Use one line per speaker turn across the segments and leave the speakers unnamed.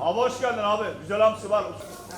Abi hoş geldin abi. Güzel hamsi var.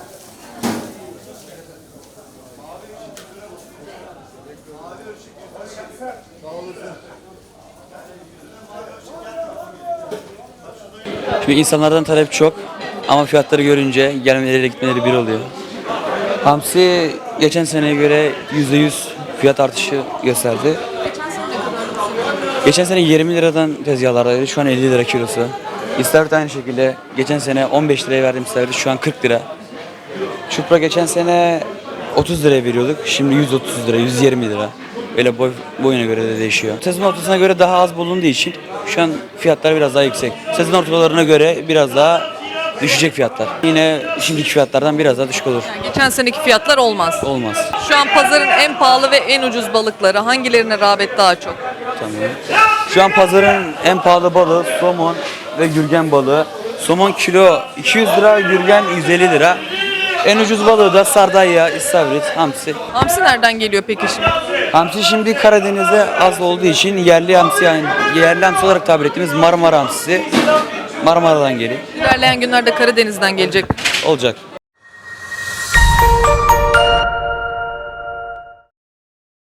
Şimdi insanlardan talep çok ama fiyatları görünce gelmeleri gitmeleri bir oluyor. Hamsi geçen seneye göre %100 fiyat artışı gösterdi. Geçen sene 20 liradan tezgahlardaydı, şu an 50 lira kilosu. İstavrit aynı şekilde. Geçen sene 15 liraya verdiğim istavrit şu an 40 lira. Çupra geçen sene 30 liraya veriyorduk. Şimdi 130 lira, 120 lira. Böyle boyuna göre de değişiyor. Sezon ortasına göre daha az bulunduğu için şu an fiyatlar biraz daha yüksek. Sezon ortalarına göre biraz daha düşecek fiyatlar. Yine şimdiki fiyatlardan biraz daha düşük olur.
Yani geçen seneki fiyatlar olmaz.
Olmaz.
Şu an pazarın en pahalı ve en ucuz balıkları hangilerine rağbet daha çok?
Tamam. Şu an pazarın en pahalı balığı somon ve gürgen balığı. Somon kilo 200 lira, gürgen 150 lira. En ucuz balığı da sardalya, istavrit, hamsi.
Hamsi nereden geliyor peki şimdi?
Hamsi şimdi Karadeniz'de az olduğu için yerli hamsi, yani yerli hamsi olarak tabir ettiğimiz Marmara hamsisi Marmara'dan geliyor.
İlerleyen günlerde Karadeniz'den gelecek.
Olacak.